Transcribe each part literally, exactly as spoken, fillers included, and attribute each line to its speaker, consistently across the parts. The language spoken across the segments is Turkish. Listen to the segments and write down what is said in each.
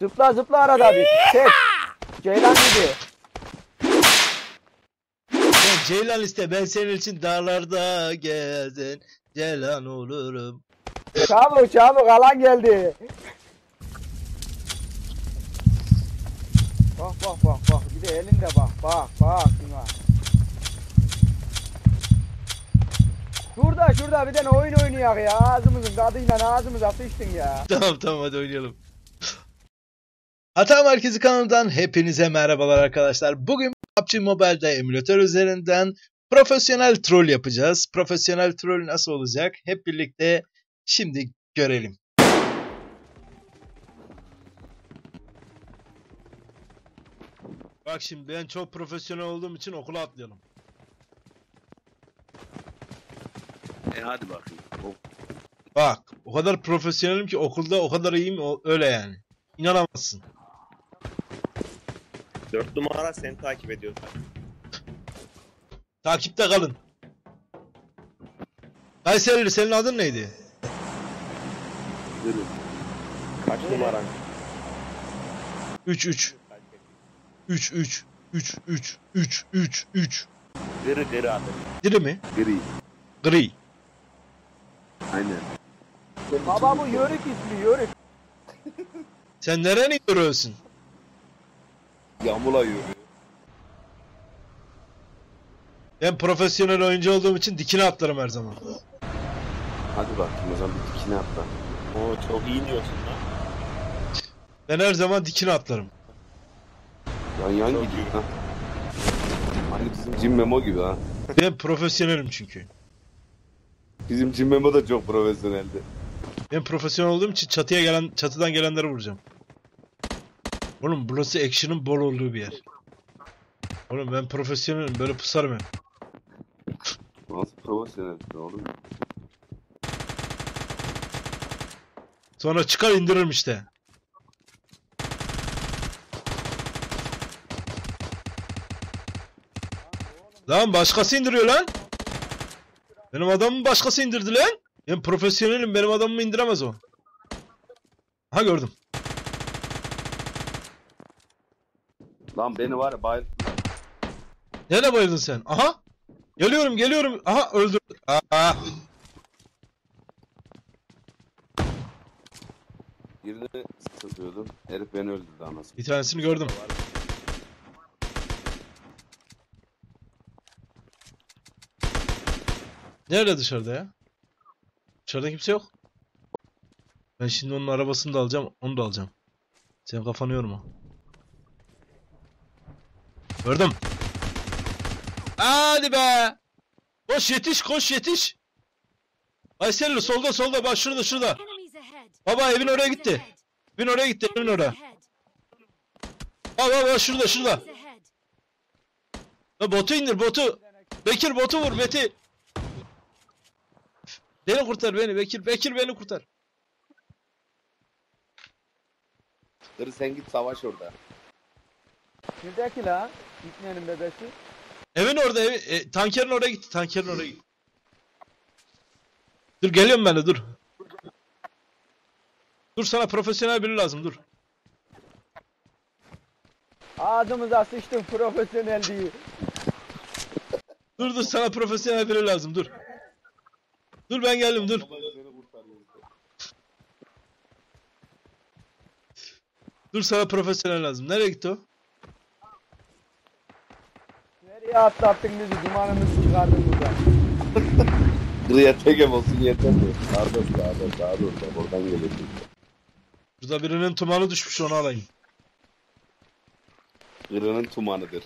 Speaker 1: Zıpla zıpla arada bir. Çek. Ceylan gibi.
Speaker 2: Sen Ceylan iste, ben senin için dağlarda gezen Ceylan olurum.
Speaker 1: Çabuk çabuk alan geldi. Bak bak bak bak. Bir de elinde bak bak bak. Şuna. Şurada şurada bir tane oyun oynayak ya. Ağzımızın tadıyla ağzımıza sıçtın ya.
Speaker 2: Tamam tamam, hadi oynayalım. Hata Merkezi kanalından hepinize merhabalar arkadaşlar. Bugün P U B G Mobile'da emülatör üzerinden profesyonel troll yapacağız. Profesyonel troll nasıl olacak? Hep birlikte şimdi görelim. Bak şimdi, ben çok profesyonel olduğum için okula atlayalım.
Speaker 3: E hadi bakayım. Oh.
Speaker 2: Bak, o kadar profesyonelim ki okulda o kadar iyiyim, o- öyle yani. İnanamazsın.
Speaker 3: Dört numara seni takip ediyor.
Speaker 2: Takipte kalın. Kayserili, senin adın neydi?
Speaker 3: Yürü. Kaç numaran?
Speaker 2: üç üç. üç üç. üç üç. üç üç. üç.
Speaker 3: Gırı gırı adı.
Speaker 2: Diri mi?
Speaker 3: Gri.
Speaker 2: Gri.
Speaker 3: Aynen.
Speaker 1: Baba bu yörük ismi yörük.
Speaker 2: Sen nereni görüyorsun?
Speaker 3: Yağmurla yürüyor.
Speaker 2: Ben profesyonel oyuncu olduğum için dikine atlarım her zaman.
Speaker 3: Hadi bakayım o zaman bir dikine atla. Oo çok iyi diyorsun lan.
Speaker 2: Ben her zaman dikine atlarım.
Speaker 3: Yan yan
Speaker 4: Çok
Speaker 3: gidiyor ha. Hani bizim Jim Memo gibi ha.
Speaker 2: Ben profesyonelim çünkü.
Speaker 3: Bizim Jim Memo da çok profesyoneldi.
Speaker 2: Ben profesyonel olduğum için çatıya gelen, çatıdan gelenleri vuracağım. Oğlum burası action'ın bol olduğu bir yer. Oğlum ben profesyonelim, böyle pusarım hep.
Speaker 3: Nasıl profesyoneldi oğlum?
Speaker 2: Sonra çıkar indiririm işte. Lan başkası indiriyor lan. Benim adamımı başkası indirdi lan. Ben profesyonelim, benim adamımı indiremez o. Ha, gördüm.
Speaker 3: Lan beni var ya bayıl...
Speaker 2: Nerede bayıldın sen? Aha. Geliyorum geliyorum. Aha, öldürdü. Aa.
Speaker 3: Birini satıyordum. Herif beni öldürdü anasını.
Speaker 2: Bir tanesini gördüm. Nerede dışarıda ya? Dışarıda kimse yok. Ben şimdi onun arabasını da alacağım, onu da alacağım. Sen kafanı yorma. Gördüm. Hadi be. Koş yetiş, koş yetiş. Ayselli solda solda, bak şurada şurada. Baba evin oraya gitti. Evin oraya gitti, evin oraya. Bak bak bak şurada şurada. Ya botu indir botu. Bekir botu vur Beti. Beni kurtar beni Bekir. Bekir beni kurtar.
Speaker 3: Dur sen git savaş orada.
Speaker 1: Neredeki lan? Gitmeyelim bebesi.
Speaker 2: Evin orada evi, e, tankerin oraya gitti. Tankerin oraya gitti. Dur geliyorum ben de dur. Dur, sana profesyonel biri lazım, dur.
Speaker 1: Ağzımıza sıçtın profesyonel değil.
Speaker 2: Dur dur, sana profesyonel biri lazım, dur. Dur ben geldim, dur. Dur, sana profesyonel lazım. Nereye gitti o?
Speaker 1: Nereye atlattın bizi? Dumanımızı çıkardın buradan.
Speaker 3: Griye tegem olsun yeter mi? Sağda sağda sağda orada. Oradan geliyorsun.
Speaker 2: Burada birinin tumanı düşmüş, onu alayım.
Speaker 3: Gırının tumanıdır.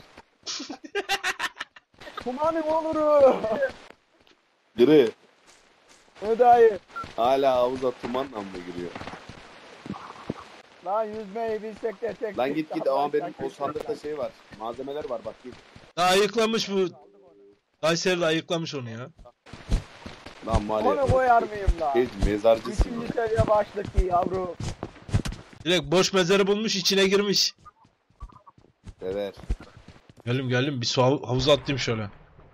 Speaker 1: Kumanın oluru.
Speaker 3: Gri
Speaker 1: Ödayı.
Speaker 3: hala havuza tumanla mı giriyor?
Speaker 1: Lan yüzmeyi bilsek de tek.
Speaker 3: Lan git git ama benim o sandıkta şey var. Malzemeler var bak git.
Speaker 2: Ha, ayıklamış bu. Kayseri'de ayıklamış onu ya.
Speaker 3: Lan mali.
Speaker 1: Onu koyar mıyım lan?
Speaker 3: Şey, mezarcısın.
Speaker 1: Üçüncü seviye başlık ki yavru.
Speaker 2: Direkt boş mezarı bulmuş, içine girmiş.
Speaker 3: Sever.
Speaker 2: Geldim geldim, bir su hav- havuza atlayayım şöyle.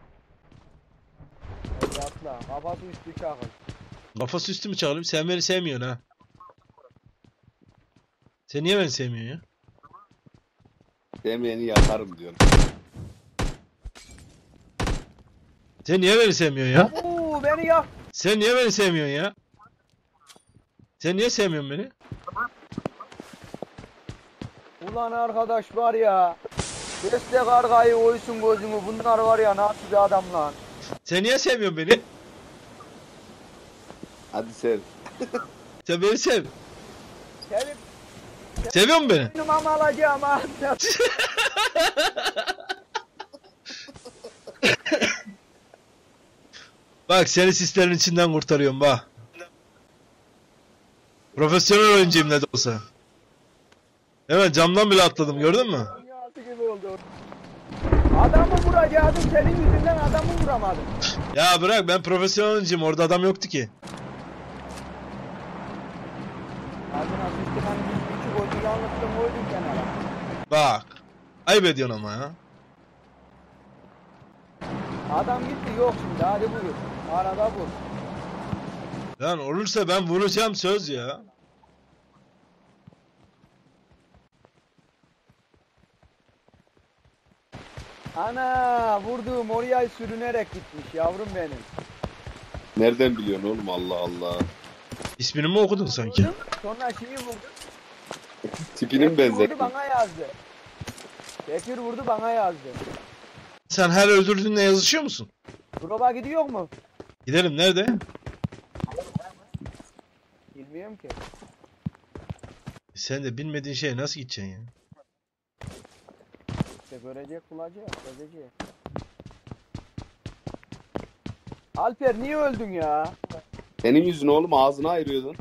Speaker 1: Hadi atla. Kafası üstü çakıl.
Speaker 2: Kafası üstü mü çağırayım? Sen beni sevmiyorsun ha. Sen niye beni sevmiyorsun ya?
Speaker 3: Sevmeyeni yakarım diyorum.
Speaker 2: Sen niye beni sevmiyorsun ya?
Speaker 1: Oo beni yak.
Speaker 2: Sen niye beni sevmiyorsun ya? Sen niye sevmiyorsun beni?
Speaker 1: Ulan arkadaş var ya. Beste kargayı oysun gözümü. Bunlar var ya nasıl bir adam lan.
Speaker 2: Sen niye sevmiyorsun beni?
Speaker 3: Hadi sev.
Speaker 2: Sen beni sev.
Speaker 1: Sevip
Speaker 2: Seviyor musun beni?
Speaker 1: benim ama alacağım ha.
Speaker 2: Bak seni sislerin içinden kurtarıyorum bak. Profesyonel oyuncuyum ne de olsa. Hemen camdan bile atladım gördün mü?
Speaker 1: Dünyası gibi oldu. Adamı vuracaktım senin yüzünden adamı vuramadım.
Speaker 2: Ya bırak ben profesyonel oyuncuyum orada adam yoktu ki.
Speaker 1: Ağzına sıçtım hani bir küçük oydu yanlışlıkla koydum kenara.
Speaker 2: Bak. Ayıp ediyorsun ama ya.
Speaker 1: Adam gitti yok şimdi hadi buyur. Arada bu.
Speaker 2: Lan olursa ben vuracağım söz ya.
Speaker 1: Ana vurduğum oraya sürünerek gitmiş yavrum benim.
Speaker 3: Nereden biliyorsun oğlum Allah Allah.
Speaker 2: İsmini mi okudun sanki?
Speaker 1: Vurdum, sonra şeyi vurdu.
Speaker 3: Tipini mi
Speaker 1: Bekir
Speaker 3: benzettin?
Speaker 1: vurdu bana yazdı. Bekir vurdu bana yazdı.
Speaker 2: Sen her öldürdüğünde yazışıyor musun?
Speaker 1: Proba gidiyor mu?
Speaker 2: Gidelim nerede?
Speaker 1: Bilmiyorum ki.
Speaker 2: Sen de bilmediğin şeye nasıl gideceksin ya?
Speaker 1: İşte görecek bulacak. Görecek. Alper niye öldün ya?
Speaker 3: Senin yüzün oğlum ağzını ayırıyordun.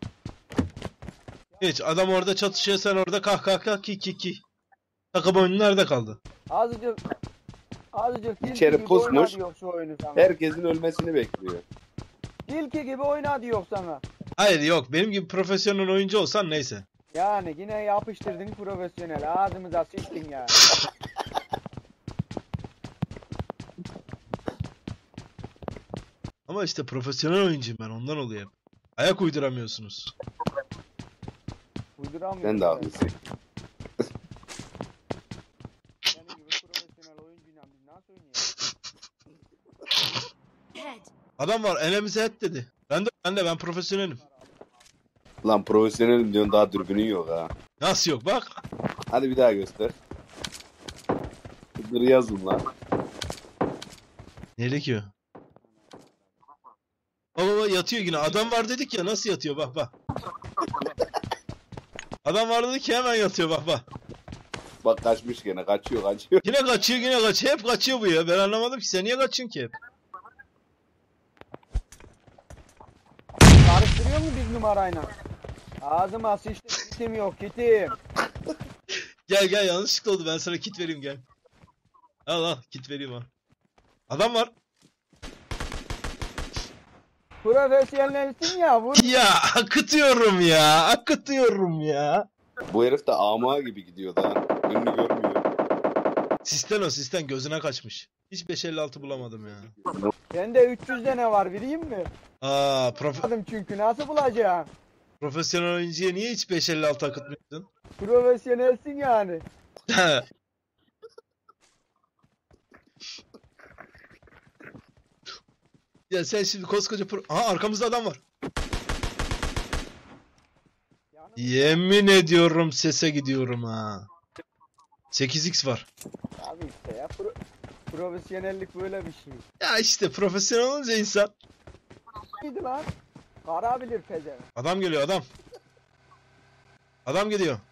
Speaker 2: Hiç adam orada çatışıyor sen orada kah kah kah ki ki ki. Takım oyunu nerede kaldı?
Speaker 1: Azıcık azıcık tilki
Speaker 3: İçeri
Speaker 1: gibi
Speaker 3: pusmuş.
Speaker 1: oyna diyor şu oyunu sana.
Speaker 3: Herkesin ölmesini bekliyor.
Speaker 1: Tilki gibi oyna diyor sana.
Speaker 2: Hayır yok benim gibi profesyonel oyuncu olsan neyse.
Speaker 1: Yani yine yapıştırdın profesyonel. Ağzımıza sıçtın ya.
Speaker 2: Ama işte profesyonel oyuncuyum ben ondan oluyor hep. Ayak uyduramıyorsunuz.
Speaker 1: Uyduramıyorum.
Speaker 3: Sen de haklısın.
Speaker 1: Senin gibi profesyonel oyuncuyla biz nasıl oynayalım?
Speaker 2: Adam var elimize et dedi. Ben de ben de ben profesyonelim.
Speaker 3: Lan profesyonelim diyorsun daha dürbünün yok ha.
Speaker 2: Nasıl yok bak.
Speaker 3: Hadi bir daha göster. Dur yazın lan.
Speaker 2: Nerede ki o? Baba baba yatıyor yine. Adam var dedik ya nasıl yatıyor bak bak. Adam var dedik ki hemen yatıyor bak bak.
Speaker 3: Bak kaçmış gene kaçıyor kaçıyor.
Speaker 2: Yine kaçıyor yine kaçıyor. Hep kaçıyor bu ya. Ben anlamadım ki sen niye kaçıyorsun ki hep?
Speaker 1: Karıştırıyor mu biz numarayla? Ağzıma sıçtım kitim yok kitim.
Speaker 2: Gel gel yanlışlıkla oldu ben sana kit vereyim gel. Al al kit vereyim al. Adam var.
Speaker 1: Profesyonelsin ya vur.
Speaker 2: Ya akıtıyorum ya akıtıyorum ya.
Speaker 3: Bu herif de ama gibi gidiyor da. Önünü görmüyor.
Speaker 2: Sisten o sisten gözüne kaçmış. Hiç beş elli altı bulamadım ya.
Speaker 1: Bende üç yüz tane var bileyim mi?
Speaker 2: Aa prof
Speaker 1: Bulamadım çünkü nasıl bulacağım?
Speaker 2: profesyonel oyuncuya niye hiç beş elli altı akıtmıyorsun?
Speaker 1: Profesyonelsin yani.
Speaker 2: Ya sen şimdi koskoca pro... Aha arkamızda adam var. Yemin ediyorum sese gidiyorum ha. sekiz x var.
Speaker 1: Abi işte ya pro- profesyonellik böyle bir şey.
Speaker 2: Ya işte profesyonel olunca insan.
Speaker 1: Neydi lan? Kara bilir pezevenk.
Speaker 2: Adam geliyor adam. Adam geliyor.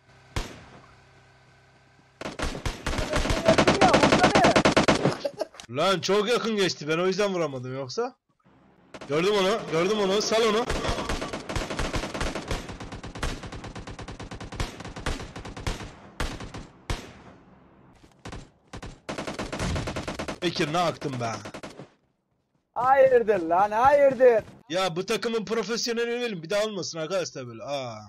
Speaker 1: Ya vursana.
Speaker 2: Lan çok yakın geçti ben o yüzden vuramadım yoksa. Gördüm onu gördüm onu sal onu. Bekir ne aktın be.
Speaker 1: Hayırdır lan hayırdır.
Speaker 2: Ya bu takımın profesyoneli ölelim bir daha olmasın arkadaşlar böyle. Aa.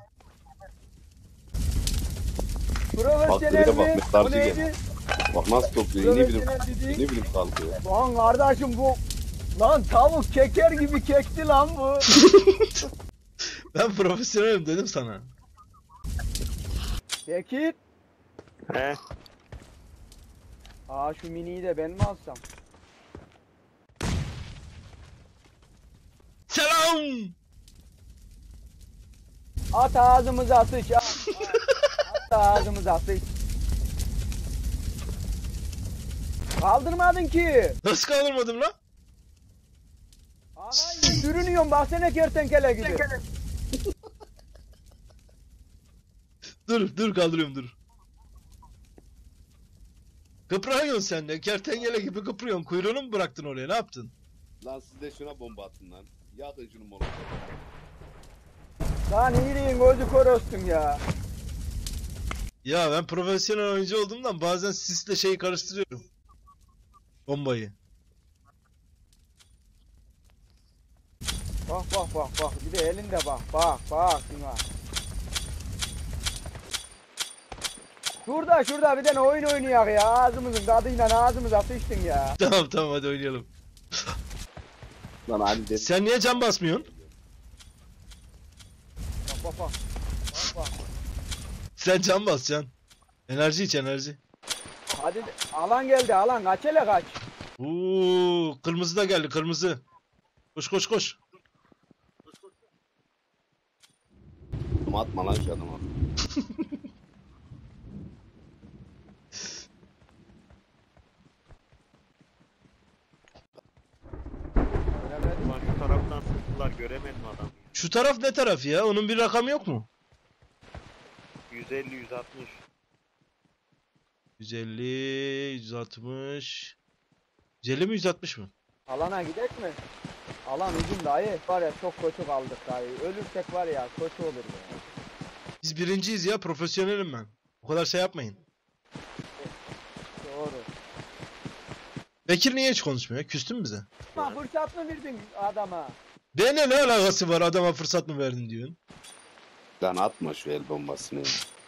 Speaker 1: Profesyonel
Speaker 3: Bak,
Speaker 1: mi?
Speaker 3: mesajı
Speaker 1: Bu neydi?
Speaker 3: gene. Bak nasıl topluyor. Ne bileyim.
Speaker 1: Profesyonel dedi.
Speaker 3: Ne bileyim kalkıyor.
Speaker 1: Lan kardeşim bu. Lan tavuk keker gibi kekti lan bu.
Speaker 2: Ben profesyonelim dedim sana.
Speaker 1: Bekir.
Speaker 4: He.
Speaker 1: Aa şu miniyi de ben mi alsam?
Speaker 2: Selam.
Speaker 1: At ağzımıza sıç. At, at, at ağzımıza sıç. Kaldırmadın ki.
Speaker 2: Nasıl kaldırmadım lan?
Speaker 1: Ağay sürünüyorsun baksana kertenkele gibi.
Speaker 2: Dur dur kaldırıyorum dur. Kıpranıyorsun sen de. Kertenkele gibi kıpırıyorsun. Kuyruğunu mu bıraktın oraya? Ne yaptın?
Speaker 3: Lan siz de şuna bomba atın lan. Yakın şunu molotofu.
Speaker 1: Lan iyiliğin gözü kör olsun ya.
Speaker 2: Ya ben profesyonel oyuncu olduğumdan bazen sisle şeyi karıştırıyorum. Bombayı.
Speaker 1: Bak bak bak bak bir de elinde bak bak bak şuna. Şurada şurada bir tane oyun oynayak ya ağzımızın tadıyla ağzımıza sıçtın ya.
Speaker 2: Tamam tamam hadi oynayalım.
Speaker 3: Lan hadi de.
Speaker 2: Sen niye can basmıyorsun?
Speaker 1: Bak bak bak. Bak bak.
Speaker 2: Sen can bas can. Enerji iç enerji.
Speaker 1: Hadi de- alan geldi alan kaç hele kaç.
Speaker 2: Uuu kırmızı da geldi kırmızı. Koş koş koş.
Speaker 3: Atma lan şu adama.
Speaker 1: Göremedim.
Speaker 4: Ulan şu taraftan sıktılar göremedim adamı.
Speaker 2: Şu taraf ne taraf ya? Onun bir rakamı yok mu?
Speaker 4: yüz elli yüz altmış.
Speaker 2: yüz elli, yüz altmış. yüz elli mi yüz altmış mı?
Speaker 1: Alana gidek mi? Alan uzun dayı. Var ya çok kötü kaldık dayı. Ölürsek var ya kötü olur ya.
Speaker 2: Biz birinciyiz ya profesyonelim ben. O kadar şey yapmayın.
Speaker 1: Doğru.
Speaker 2: Bekir niye hiç konuşmuyor? Küstün mü bize?
Speaker 1: Ama fırsat mı verdin adama?
Speaker 2: Bana ne alakası var adama fırsat mı verdin diyorsun?
Speaker 3: Lan atma şu el bombasını. ya.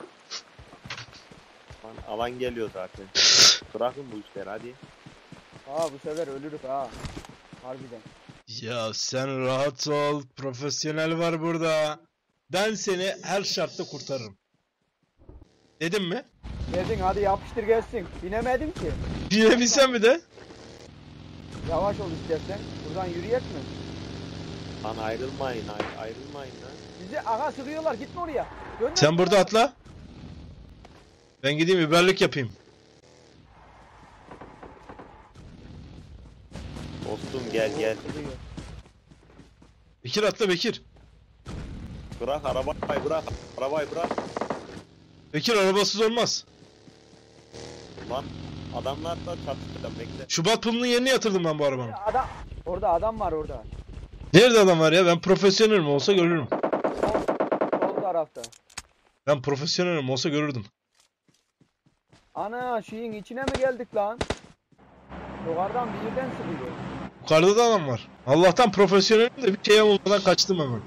Speaker 4: Lan alan geliyor zaten. Bırakın bu işleri hadi.
Speaker 1: Aa bu sefer ölürük ha. Harbiden.
Speaker 2: Ya sen rahat ol. Profesyonel var burada. Ben seni her şartta kurtarırım. Dedim mi?
Speaker 1: Dedin hadi yapıştır gelsin. Binemedin ki.
Speaker 2: Bilebilsen mi de?
Speaker 1: Yavaş ol istersen. Buradan yürüyek mi?
Speaker 4: Lan ayrılmayın ay- ayrılmayın lan.
Speaker 1: Bizi aha sürüyorlar gitme oraya. Dön
Speaker 2: Sen burada atla. Ben gideyim biberlik yapayım.
Speaker 4: Dostum gel gel.
Speaker 1: Sürüyor.
Speaker 2: Bekir atla Bekir.
Speaker 4: Bırak arabayı bırak. Arabayı bırak.
Speaker 2: Bekir arabasız olmaz.
Speaker 4: Lan adamlar da çatıştı bekle.
Speaker 2: Şubat pılının yerine yatırdım ben bu arabanın.
Speaker 1: Adam. Orada adam var orada.
Speaker 2: Nerede adam var ya? Ben profesyonelim olsa görürüm.
Speaker 1: Sol, sol tarafta.
Speaker 2: Ben profesyonelim olsa görürdüm.
Speaker 1: Ana şeyin içine mi geldik lan? Yukarıdan bir yerden sıkıyor.
Speaker 2: Yukarıda da adam var. Allah'tan profesyonelim de bir şey olmadan kaçtım hemen.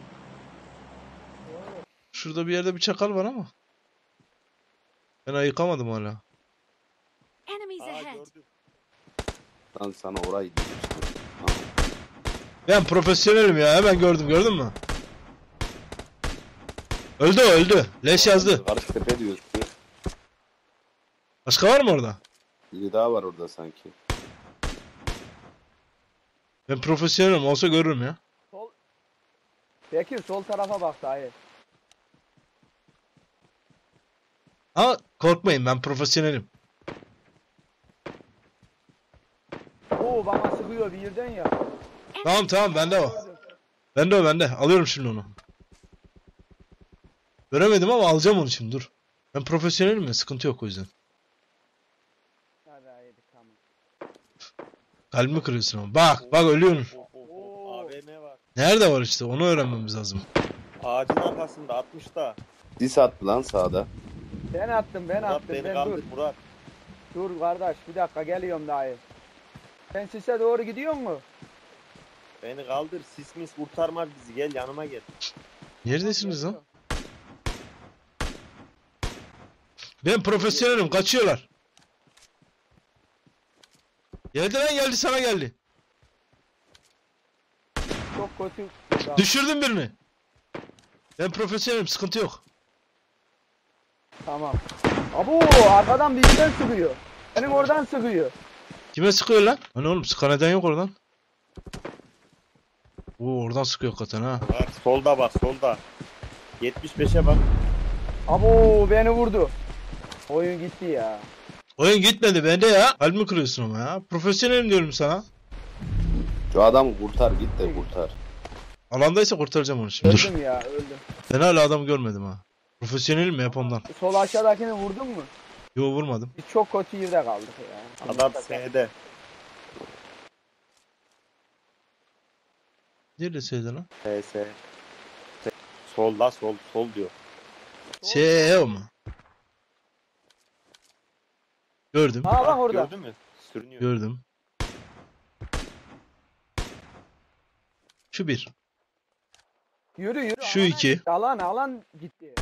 Speaker 2: Şurada bir yerde bir çakal var ama. Ben ayıkamadım hala.
Speaker 5: Enemies
Speaker 4: Aa
Speaker 5: ahead.
Speaker 4: gördüm.
Speaker 3: Lan sana orayı demiştim.
Speaker 2: Ben profesyonelim ya hemen gördüm gördün mü? Öldü o öldü. Leş yazdı.
Speaker 3: Karış tepe diyorsun.
Speaker 2: Başka var mı orada?
Speaker 3: Biri daha var orada sanki.
Speaker 2: Ben profesyonelim olsa görürüm ya.
Speaker 1: Sol. Bekir sol tarafa bak dayı.
Speaker 2: Ama korkmayın ben profesyonelim.
Speaker 1: Oo bana sıkıyor bir yerden ya.
Speaker 2: Tamam tamam bende o. Bende o bende. Alıyorum şimdi onu. Göremedim ama alacağım onu şimdi dur. Ben profesyonelim ya sıkıntı yok o yüzden.
Speaker 1: Hadi haydi tamam.
Speaker 2: Kalbimi kırıyorsun ama. Bak bak ölüyorsun.
Speaker 4: Oh, oh, oh. A V M var.
Speaker 2: Nerede var işte onu öğrenmemiz lazım.
Speaker 4: Ağacın arkasında altmışta.
Speaker 3: Dis attı lan sağda.
Speaker 1: Ben attım ben
Speaker 4: Murat
Speaker 1: attım
Speaker 4: beni
Speaker 1: ben
Speaker 4: kaldır
Speaker 1: dur.
Speaker 4: Murat.
Speaker 1: Dur kardeş bir dakika geliyorum dayı. Sen sise doğru gidiyor mu?
Speaker 4: Beni kaldır sis mis kurtarmaz bizi gel yanıma gel.
Speaker 2: Neredesiniz lan? Ben profesyonelim kaçıyorlar. Geldi lan geldi sana geldi.
Speaker 1: Çok kötü.
Speaker 2: Düşürdüm birini. Ben profesyonelim sıkıntı yok.
Speaker 1: Tamam. Abo arkadan bir yerden sıkıyor. Senin oradan sıkıyor.
Speaker 2: Kime sıkıyor lan? Hani oğlum sıkan neden yok oradan. Oo oradan sıkıyor hakikaten ha.
Speaker 4: Bak solda bak solda. yetmiş beşe bak.
Speaker 1: Abo beni vurdu. Oyun gitti ya.
Speaker 2: Oyun gitmedi bende ya. Kalbimi kırıyorsun ama ya. Profesyonelim diyorum sana.
Speaker 3: Şu adamı kurtar git de kurtar.
Speaker 2: Alandaysa kurtaracağım onu şimdi. Dur.
Speaker 1: Öldüm ya öldüm.
Speaker 2: Ben hala adamı görmedim ha. Profesyonelim mi hep ondan.
Speaker 1: Sol aşağıdakini vurdun mu?
Speaker 2: Yo vurmadım.
Speaker 1: Biz çok kötü yerde kaldık ya.
Speaker 4: Adam S'de.
Speaker 2: Neresiydi lan?
Speaker 4: S S. Solda sol sol diyor.
Speaker 2: S E O mu? Gördüm.
Speaker 1: Ha bak orada.
Speaker 4: Gördün mü? Sürünüyor.
Speaker 2: Gördüm. Şu bir.
Speaker 1: Yürü yürü.
Speaker 2: Şu
Speaker 1: alana
Speaker 2: iki.
Speaker 1: gitti, Alan alan gitti.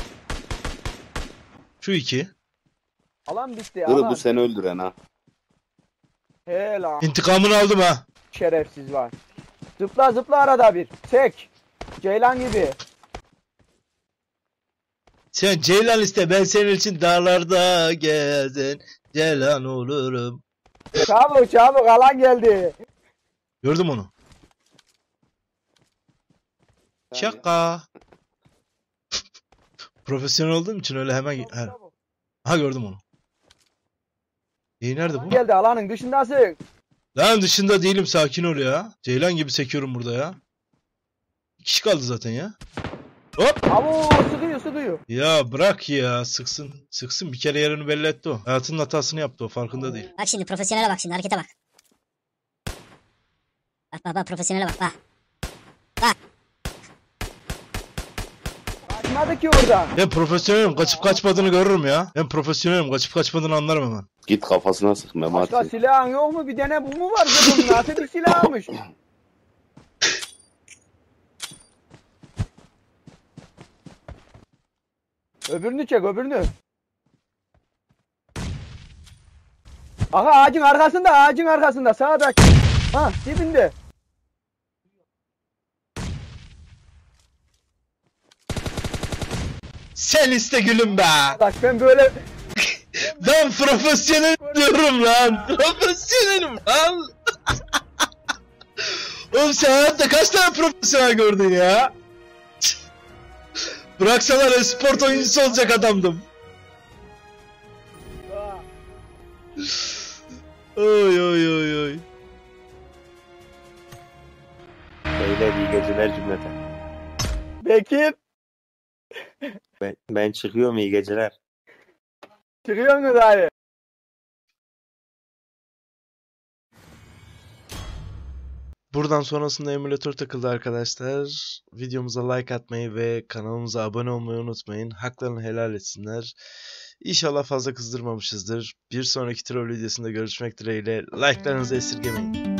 Speaker 2: Şu iki.
Speaker 1: Alan bitti
Speaker 3: Dur
Speaker 1: alan.
Speaker 3: bu seni öldüren ha.
Speaker 1: He lan.
Speaker 2: İntikamını aldım ha.
Speaker 1: Şerefsiz var. Zıpla zıpla arada bir. Çek. Ceylan gibi.
Speaker 2: Sen Ceylan iste, ben senin için dağlarda gezen Ceylan olurum.
Speaker 1: Çabuk çabuk alan geldi.
Speaker 2: Gördüm onu. Şaka. Profesyonel olduğum için öyle hemen...
Speaker 1: Çabuk,
Speaker 2: He.
Speaker 1: çabuk.
Speaker 2: Ha gördüm onu. İyi nerede
Speaker 1: Alan
Speaker 2: bu?
Speaker 1: geldi alanın dışındasın.
Speaker 2: Lan dışında değilim, sakin ol ya. Ceylan gibi sekiyorum burada ya. Bir kişi kaldı zaten ya. Hop.
Speaker 1: Abo sıkıyor sıkıyor.
Speaker 2: Ya bırak ya, sıksın. Sıksın, bir kere yerini belli etti o. Hayatının hatasını yaptı o, farkında değil.
Speaker 6: Bak şimdi profesyonele bak şimdi harekete bak. Bak bak bak profesyonele bak bak.
Speaker 1: Kaçmadı ki oradan.
Speaker 2: Ben profesyonelim, kaçıp kaçmadığını görürüm ya. Ben profesyonelim, kaçıp kaçmadığını anlarım hemen.
Speaker 3: Git kafasına sık
Speaker 1: Başka
Speaker 3: Memati.
Speaker 1: silahın yok mu? Bir tane bu mu var? Bunun nasıl bir silahmış? Öbürünü çek öbürünü. Aha ağacın arkasında ağacın arkasında sağdaki. Ha dibinde.
Speaker 2: Sen iste gülüm be.
Speaker 1: Bak ben böyle
Speaker 2: Ben profesyonel diyorum lan. Profesyonelim lan. Oğlum sen hayatta kaç tane profesyonel gördün ya? Bıraksalar esport oyuncusu olacak adamdım. Oy oy oy oy.
Speaker 4: Beyler iyi geceler cümleten.
Speaker 1: Bekir
Speaker 4: Ben, ben çıkıyorum iyi geceler.
Speaker 1: çıkıyor mu dayı?
Speaker 2: Buradan sonrasında emülatör takıldı arkadaşlar. Videomuza like atmayı ve kanalımıza abone olmayı unutmayın. Haklarını helal etsinler. İnşallah fazla kızdırmamışızdır. Bir sonraki troll videosunda görüşmek dileğiyle. Like'larınızı esirgemeyin.